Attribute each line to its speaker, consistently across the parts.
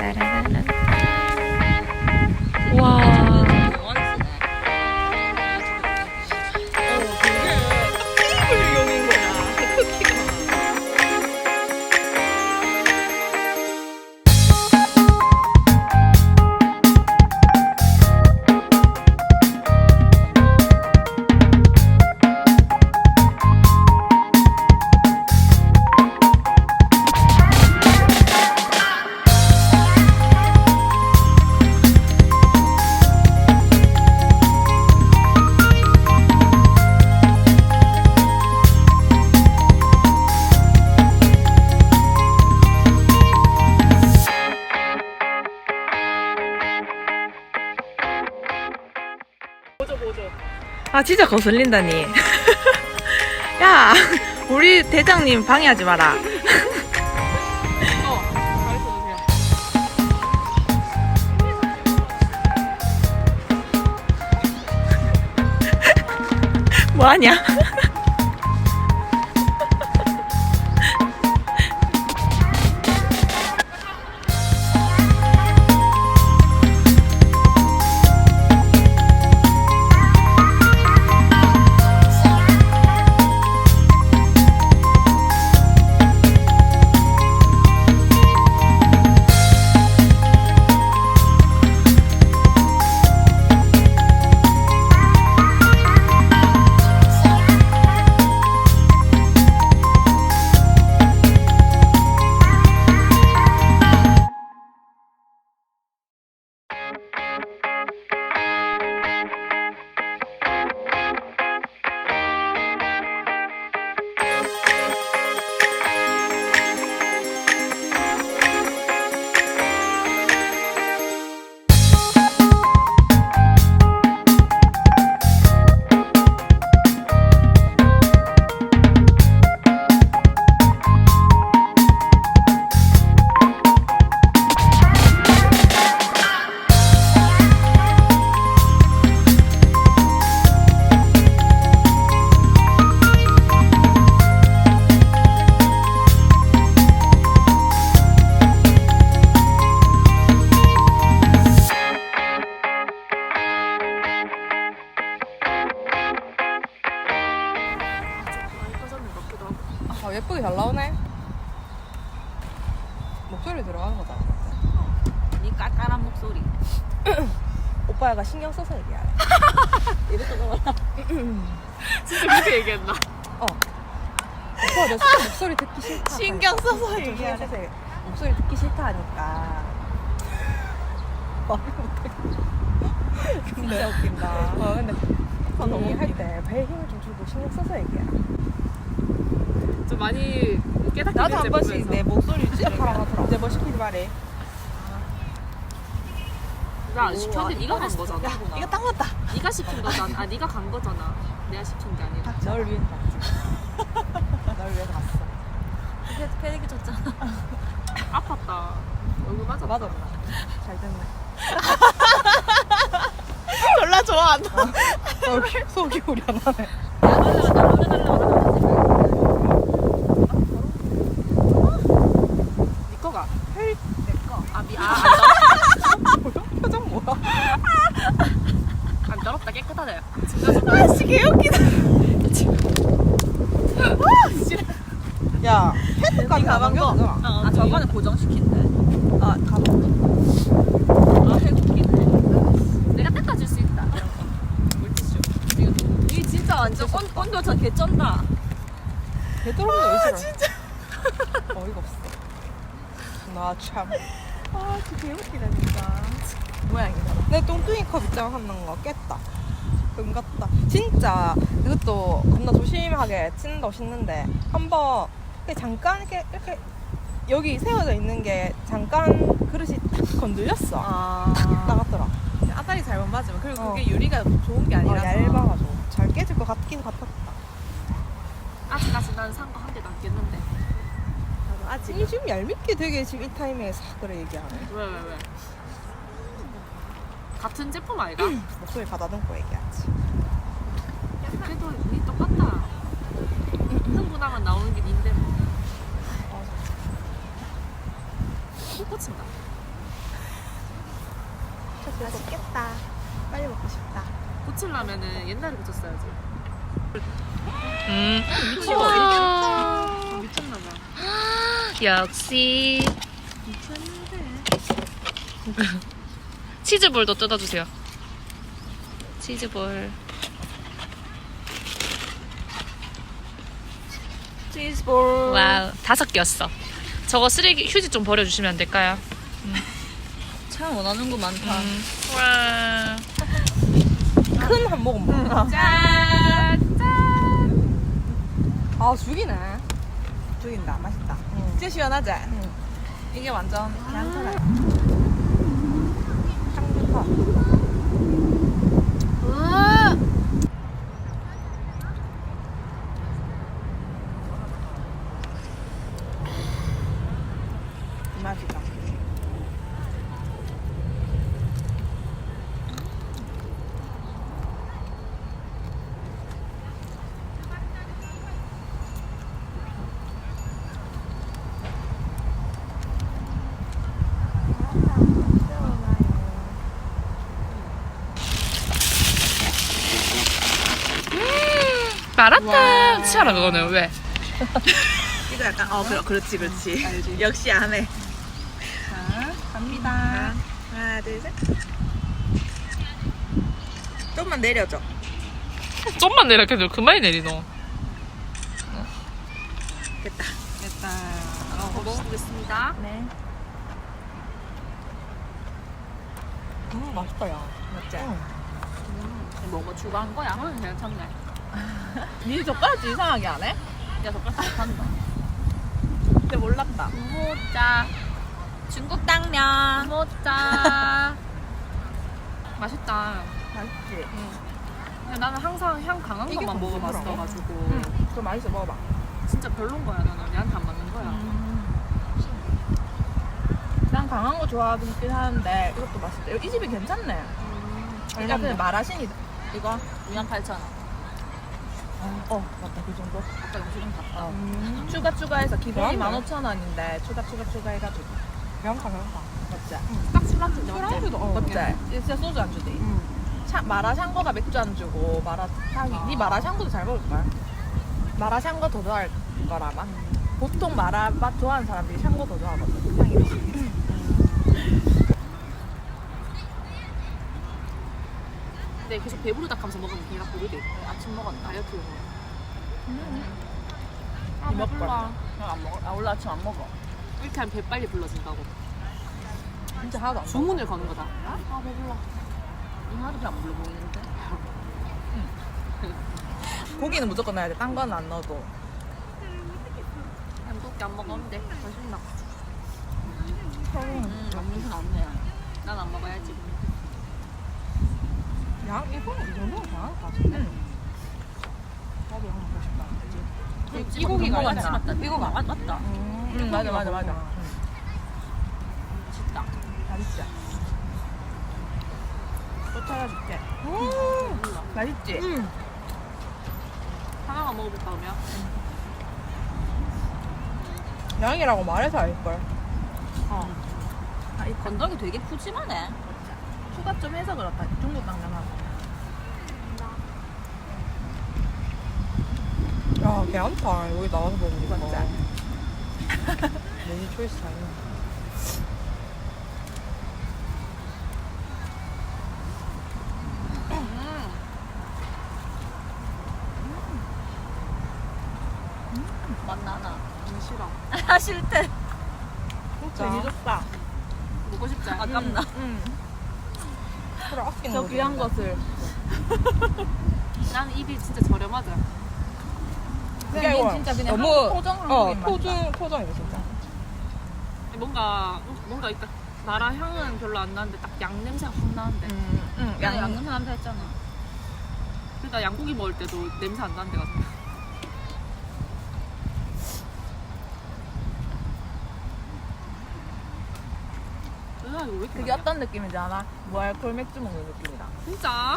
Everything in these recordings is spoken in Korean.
Speaker 1: 따라라라. 와.
Speaker 2: 용인 거야. 크기가.
Speaker 1: 아 진짜 거슬린다니. 야 우리 대장님 방해하지 마라. 뭐하냐?
Speaker 2: 예쁘게 잘 나오네. 목소리 들어가는 거다.
Speaker 3: 니 깔깔한 목소리.
Speaker 2: 오빠가 신경 써서 얘기해.
Speaker 3: 이랬던 거 같아.
Speaker 1: 진짜 그렇게 얘기했나?
Speaker 2: 오빠 나 진짜 목소리 듣기 싫다.
Speaker 1: 신경 써서
Speaker 2: 좀
Speaker 1: 얘기하래.
Speaker 2: 목소리 듣기 싫다 하니까. 말을 못해.
Speaker 3: 진짜 웃긴다.
Speaker 2: 근데
Speaker 1: 너무
Speaker 2: 언니 할때 배에 힘을 좀 주고 신경 써서 얘기해.
Speaker 1: 좀 많이 깨닫게
Speaker 2: 나도 한
Speaker 1: 됐지,
Speaker 2: 번씩
Speaker 1: 보면서.
Speaker 2: 내 목소리 시작하라 하더라. 이제 뭐 시키지 말해.
Speaker 1: 나 안 시켰는데 네가 간 거잖아.
Speaker 2: 이거 딱 맞다.
Speaker 1: 네가 시킨 거잖아. 아 네가 간 거잖아. 내가 시킨 게 아니라.
Speaker 2: 널 위해서 갔지. 널 위해서 갔어.
Speaker 3: 이게 패닉이 졌잖아.
Speaker 1: 아팠다. 얼굴 맞았다.
Speaker 2: 맞아. 잘 됐네.
Speaker 1: 졸라 좋아한다.
Speaker 2: 속이 우려나네.
Speaker 1: 네 거가.
Speaker 2: 표정 뭐야?
Speaker 1: 안 더럽다 깨끗하네.
Speaker 2: 아씨 개웃기다. 야, 헤드까지
Speaker 3: 가방 거. 아 저번에 고정시킨대.
Speaker 2: 아, 가방.
Speaker 1: 아 해국기네. 내가 닦아줄 수 있다. 물티슈.
Speaker 3: 이 진짜 완전 온도 전 개쩐다.
Speaker 2: 되도록이면 왜 진짜. 어이가 없어. 나 참.
Speaker 3: 아 진짜 개웃기다 진짜.
Speaker 2: 모양이다. 내 뚱뚱이 컵 있잖아 하는 거 깼다. 금 같다. 진짜 이것도 겁나 조심하게 친다고 씻는데 한번 잠깐 이렇게 여기 세워져 있는 게 잠깐 그릇이 탁 건들렸어. 탁 나갔더라.
Speaker 3: 아다리 잘못 맞으면 그리고 그게
Speaker 2: 어.
Speaker 3: 유리가 좋은 게 아니라서.
Speaker 2: 얇아가지고 잘 깨질 것 같긴 같았다.
Speaker 1: 아직까지 난 산 거 한 개도 안 깼는데.
Speaker 3: 나도 아직.
Speaker 2: 이 지금 얄밉게 되게 지금 이 타이밍에 싹 그래 얘기하네.
Speaker 1: 왜? 같은 제품 아이가?
Speaker 2: 목소리 가다듬고 얘기하지.
Speaker 1: 그래도 니 똑같다. 흥분하면 나오는 게 닌데 뭐. 못 고친다.
Speaker 2: 맛있겠다. 빨리 먹고 싶다.
Speaker 1: 고치려면은 옛날에 고쳤어야지.
Speaker 4: 우와.
Speaker 1: 미쳤나봐.
Speaker 4: 역시 치즈볼도 뜯어주세요. 치즈볼.
Speaker 2: 치즈볼.
Speaker 4: 와우, 5개였어. 저거 쓰레기 휴지 좀 버려주시면 안 될까요?
Speaker 3: 참 원하는 거 많다.
Speaker 4: 와.
Speaker 2: 큰 한 모금 먹어.
Speaker 4: 짠!
Speaker 2: 아 죽이네.
Speaker 5: 죽인다. 맛있다. 진짜 시원하지? 이게 완전 괜찮아.
Speaker 2: 향 좋다.
Speaker 5: 맛있다.
Speaker 4: 마라탕 치아라 그거는 왜?
Speaker 5: 이거 약간 그렇지. 역시 안 해. 자, 갑니다. 하나, 둘, 셋. 좀만 내려줘.
Speaker 4: 좀만 내려도 그만이 내리노.
Speaker 5: 됐다.
Speaker 1: 먹어보겠습니다.
Speaker 5: 네.
Speaker 2: 맛있다 야.
Speaker 5: 맞지?
Speaker 1: 뭐 추가한 거야? 괜찮네.
Speaker 5: 니 젓가락질 이상하게 안 해?
Speaker 1: 야, 젓가락 잘 탄다.
Speaker 5: 근데 몰랐다.
Speaker 1: 모짜.
Speaker 3: 중국 당면.
Speaker 1: 모짜. 맛있다.
Speaker 5: 맛있지?
Speaker 1: 근데 나는 항상 향 강한
Speaker 2: 이게
Speaker 1: 것만
Speaker 2: 더
Speaker 1: 먹어봤어가지고
Speaker 5: 그거 맛있어. 먹어봐.
Speaker 1: 진짜 별론 거야. 나는 얘한테 안 맞는 거야.
Speaker 5: 난 강한 거 좋아하긴 하는데 이것도 맛있다. 이 집이 괜찮네. 이거 그냥 마라신이다. 이거?
Speaker 3: 28,000원.
Speaker 5: 맞다. 그 정도?
Speaker 3: 아까 영수증 갔다.
Speaker 5: 추가해서 기본이
Speaker 2: 그러네.
Speaker 5: 15,000원인데 추가해가지고.
Speaker 2: 양파.
Speaker 5: 맞지?
Speaker 1: 딱 술안주인데 맞지?
Speaker 2: 술안주도
Speaker 5: 맞지? 진짜 소주 안 주대. 마라샹궈가 맥주 안 주고 마라탕이. 니 마라샹궈도 잘 먹을걸? 마라샹궈 더 좋아할 거라마. 보통 마라 맛 좋아하는 사람들이 샹궈 더 좋아하거든. 향이 더.
Speaker 1: 근데 계속 배부르다 하면서 먹으면 배가 부르대. 아침 먹었나? 다이어트 용으로. 아,
Speaker 5: 이 먹방.
Speaker 1: 배불러.
Speaker 5: 안 먹어? 원래 아침 안 먹어.
Speaker 1: 이렇게 하면 배 빨리 불러진다고.
Speaker 5: 진짜 하나도 안 먹어.
Speaker 1: 주문을 거는 거다. 아, 배불러.
Speaker 3: 하나도 잘 안 불러 보이는데.
Speaker 5: 고기는 무조건 넣어야 돼. 딴 건 안 넣어도.
Speaker 1: 한 두께 안 먹으면 돼. 맛있나?
Speaker 3: 영수증 없네.
Speaker 1: 난 안 먹어야지.
Speaker 2: 이거는 이 정도면 잘하는 것 같은데. 나도 양 먹고 싶다. 그치?
Speaker 3: 이 고기가
Speaker 5: 이거
Speaker 3: 맞지 맞다. 이거 맞다.
Speaker 5: 맞아.
Speaker 1: 맛있다.
Speaker 5: 맛있지? 또 찾아줄게. 맛있지?
Speaker 1: 하나만 먹어볼까, 그러면?
Speaker 2: 양이라고 말해서 알걸.
Speaker 3: 이 건더기 되게 푸짐하네.
Speaker 5: 추가 좀 해서 그렇다. 중국 당면하고.
Speaker 2: 야, 괜찮다. 여기 나와서 먹으니까.
Speaker 5: 맞지?
Speaker 2: 메뉴 초이스 잘 있네.
Speaker 3: 맛나나.
Speaker 1: 싫어.
Speaker 3: 아 싫대.
Speaker 5: 되게 좋다.
Speaker 1: 먹고 싶지 않아?
Speaker 3: 아깝나.
Speaker 2: 그래, 아끼는
Speaker 5: 저
Speaker 2: 거지,
Speaker 5: 귀한
Speaker 2: 근데.
Speaker 5: 것을.
Speaker 1: 나는 입이 진짜 저렴하다.
Speaker 5: 그냥
Speaker 2: 이거
Speaker 5: 이건 진짜 그냥
Speaker 2: 너무
Speaker 5: 한국 토종 한국인 맛이다.
Speaker 2: 토종이다 진짜.
Speaker 1: 뭔가 있다. 나라 향은 별로 안 나는데 딱 양 냄새가 확 나는데.
Speaker 3: 야 양념 한다 했잖아.
Speaker 1: 그러니까 양고기 먹을 때도 냄새 안 나는 데가 있어. 이거 왜 이렇게
Speaker 5: 그게
Speaker 1: 많냐?
Speaker 5: 어떤 느낌인지 알아? 무알콜 맥주 먹는 느낌이다.
Speaker 1: 진짜?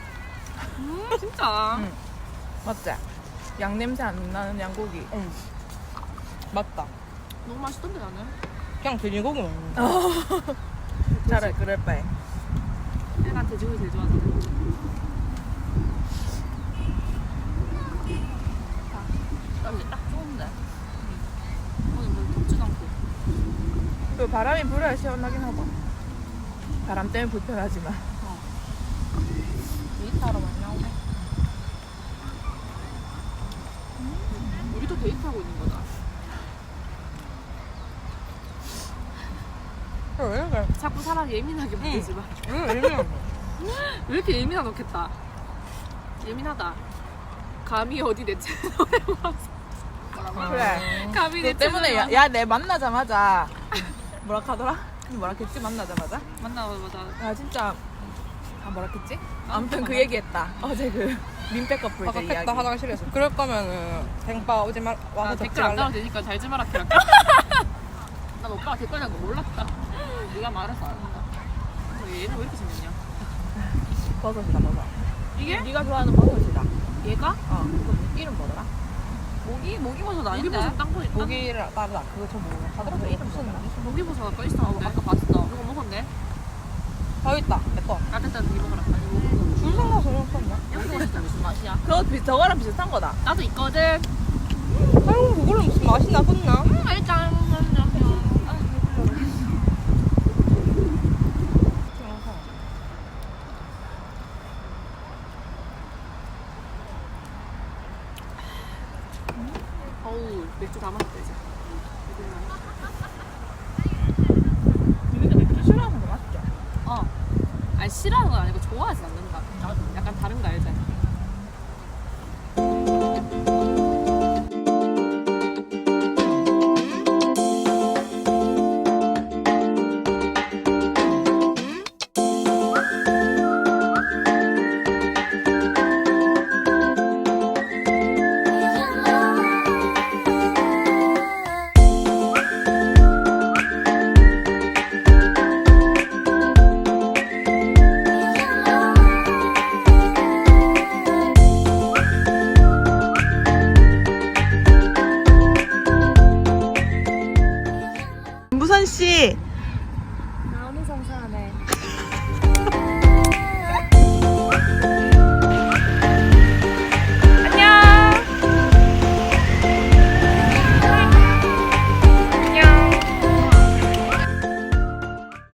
Speaker 1: 진짜?
Speaker 5: 맞지? 양 냄새 안 나는 양고기.
Speaker 2: 맞다.
Speaker 1: 너무 맛있던데 나는.
Speaker 2: 그냥 돼지고기 먹는 거.
Speaker 5: 차라리 그럴 바에.
Speaker 1: 난 돼지고기 제일 좋아하는데.
Speaker 3: 여기 딱 좋은데.
Speaker 1: 오늘 뭐 덥지도 않고.
Speaker 5: 그 바람이 불어야 시원하긴 하고. 바람 때문에 불편하지만.
Speaker 2: 데이트하러 많이 나오네.
Speaker 1: 우리도 데이트하고 있는 거다.
Speaker 2: 왜 그래?
Speaker 1: 자꾸 사람 예민하게 만들지 마. 왜 이렇게 예민하 놓겠다. 예민하다. 감히 어디 내 채널에 와서.
Speaker 5: 그래.
Speaker 1: 감히 내
Speaker 5: 너 때문에
Speaker 1: 채널에 와서.
Speaker 5: 야 내 만나자마자 뭐라 하더라? 뭐라 했지 만나자마자?
Speaker 1: 만나자마자.
Speaker 5: 아 진짜 뭐라 했지? 아무튼 그 얘기했다. 어제 그 민폐 커플
Speaker 2: 아까
Speaker 5: 제 이야기.
Speaker 2: 깼다 화장실에서. 그럴 거면은 댕빠 오지 말 와서
Speaker 1: 나 댓글 안 달아도 되니까 잘 좀 하라 캐라. 난 오빠가 댓글 달는 거 몰랐다. 네가 말해서 알았다. 얘는 왜 이렇게 생겼냐?
Speaker 5: 버섯이다 버섯.
Speaker 1: 이게?
Speaker 5: 네가 좋아하는 버섯이다.
Speaker 1: 얘가?
Speaker 5: 그거 이름 뭐더라?
Speaker 3: 모기버섯 아닌데?
Speaker 1: 모기버섯 땅콩 있다.
Speaker 2: 고기를 따르다. 그거 저 뭐. 하더라도 이름 무슨
Speaker 1: 모기버섯 아까 있었는데.
Speaker 3: 아까 봤어.
Speaker 1: 이거 먹었네.
Speaker 2: 더 있다. 내 거.
Speaker 1: 따뜻한 이 먹어라. 아니 모기버섯.
Speaker 2: 줄 서서 없었나?
Speaker 3: 모기버섯은 무슨 맛이야?
Speaker 5: 그거 저거랑 비슷한 거다.
Speaker 1: 나도 있거든.
Speaker 2: 아유 그걸로 무슨 맛이 나겠나?
Speaker 1: 일단 어우 맥주 다 마셨다 이제.
Speaker 5: 근데 맥주 싫어하는 거 맞죠?
Speaker 1: 아니 싫어하는 건 아니고 좋아하진 않는다. 약간 다른 거 알지?